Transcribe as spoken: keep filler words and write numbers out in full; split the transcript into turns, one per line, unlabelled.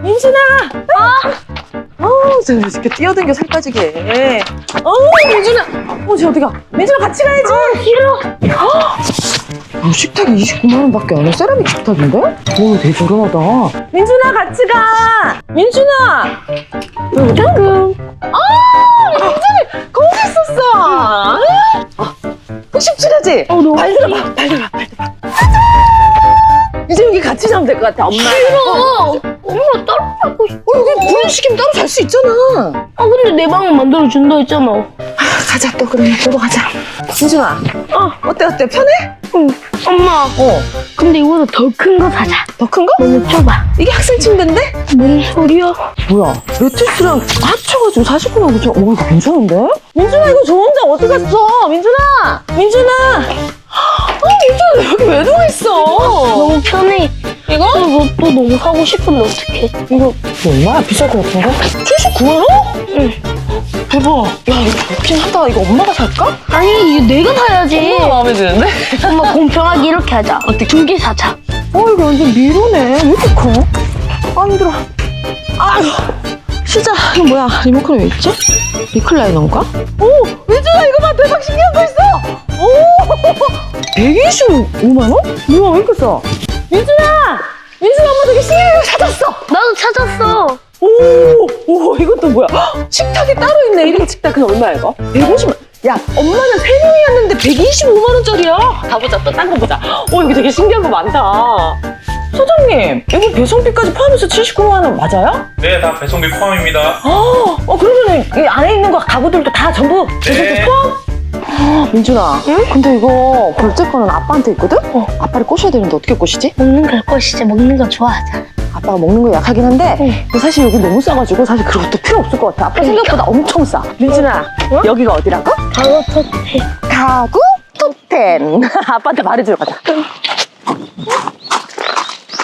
민준아! 아! 어우, 저 이렇게 뛰어댕겨 살 빠지게. 어우, 민준아! 어, 쟤 어디가? 민준아, 같이 가야지! 아, 싫어! 어, 식탁이 이십구만 원밖에 안 해. 세라믹 식탁인데? 오, 되게 저렴하다. 민준아, 같이 가! 민준아! 당근. 아, 민준이 거기 있었어! 아, 흑십칠하지?
어, 너무
발 들어봐, 발 들어봐, 발 들어봐. 이제 여기 같이 자면 될 것 같아, 엄마.
싫어. 엄마 따로 자고 싶어.
어, 여기 분식이면 따로 잘 수 있잖아.
아, 근데 내 방을 만들어준다 했잖아.
아, 가자, 또 그러면 보러 가자. 민준아,
어,
어때, 어때? 편해?
응. 엄마.
어.
근데 이거보다 더 큰 거 사자.
더 큰 거?
너무 좁아.
이게 학생 침대인데?
뭔 소리야?
뭐야, 매트리스랑 합쳐가지고 사십구만 구천 원. 오, 이거 괜찮은데? 민준아, 이거 좋은데 어디 갔어? 민준아! 민준아! 아, 민준아, 여기 왜 누워있어?
너무 편해.
이거?
또, 너, 또 너무 사고 싶은데 어떡해?
이거 얼마야? 비쌀 것 같은데? 칠십구만 원?
응.
대박. 야, 이거 좋긴 하다. 이거 엄마가 살까?
아니, 이거 내가 사야지.
마음에 드는데?
엄마 공평하게 이렇게 하자. 어떻게? 두 개 사자.
어, 이거 완전 미로네. 왜 이렇게 커? 아, 힘들어. 아유. 시자, 이거 뭐야? 리모컨이 왜 있지? 리클라이너인가? 오! 민준아, 이거 봐! 대박 신기한 거 있어! 오! 백이십오만 원? 뭐야, 왜 이렇게 싸? 민준아! 민준아, 엄마 되게 신기한 거 찾았어!
나도 찾았어.
오! 오, 이것도 뭐야? 헉, 식탁이 따로 있네. 일 인 식탁. 그냥 얼마야, 이거? 백오십만 원. 야, 엄마는 세 명이었는데 백이십오만 원짜리야. 가보자, 또 딴 거 보자. 오, 여기 되게 신기한 거 많다. 사장님, 이거 배송비까지 포함해서 칠십구만 원 맞아요?
네, 다 배송비 포함입니다.
아, 어, 그러면 이 안에 있는 거 가구들도 다 전부 배송비
네.
포함? 아, 민준아, 응? 근데 이거 결제권은 아빠한테 있거든? 어. 아빠를 꼬셔야 되는데 어떻게 꼬시지?
먹는 걸 것이지. 먹는 거 좋아하잖아.
아빠가 먹는 거 약하긴 한데
응.
근데 사실 여기 너무 싸가지고 사실 그것도 필요 없을 것 같아. 아빠 생각보다 엄청 싸. 민준아,
어?
여기가 어디라고?
바로 텄대.
가구 토템. 아빠한테 말해주러 가자.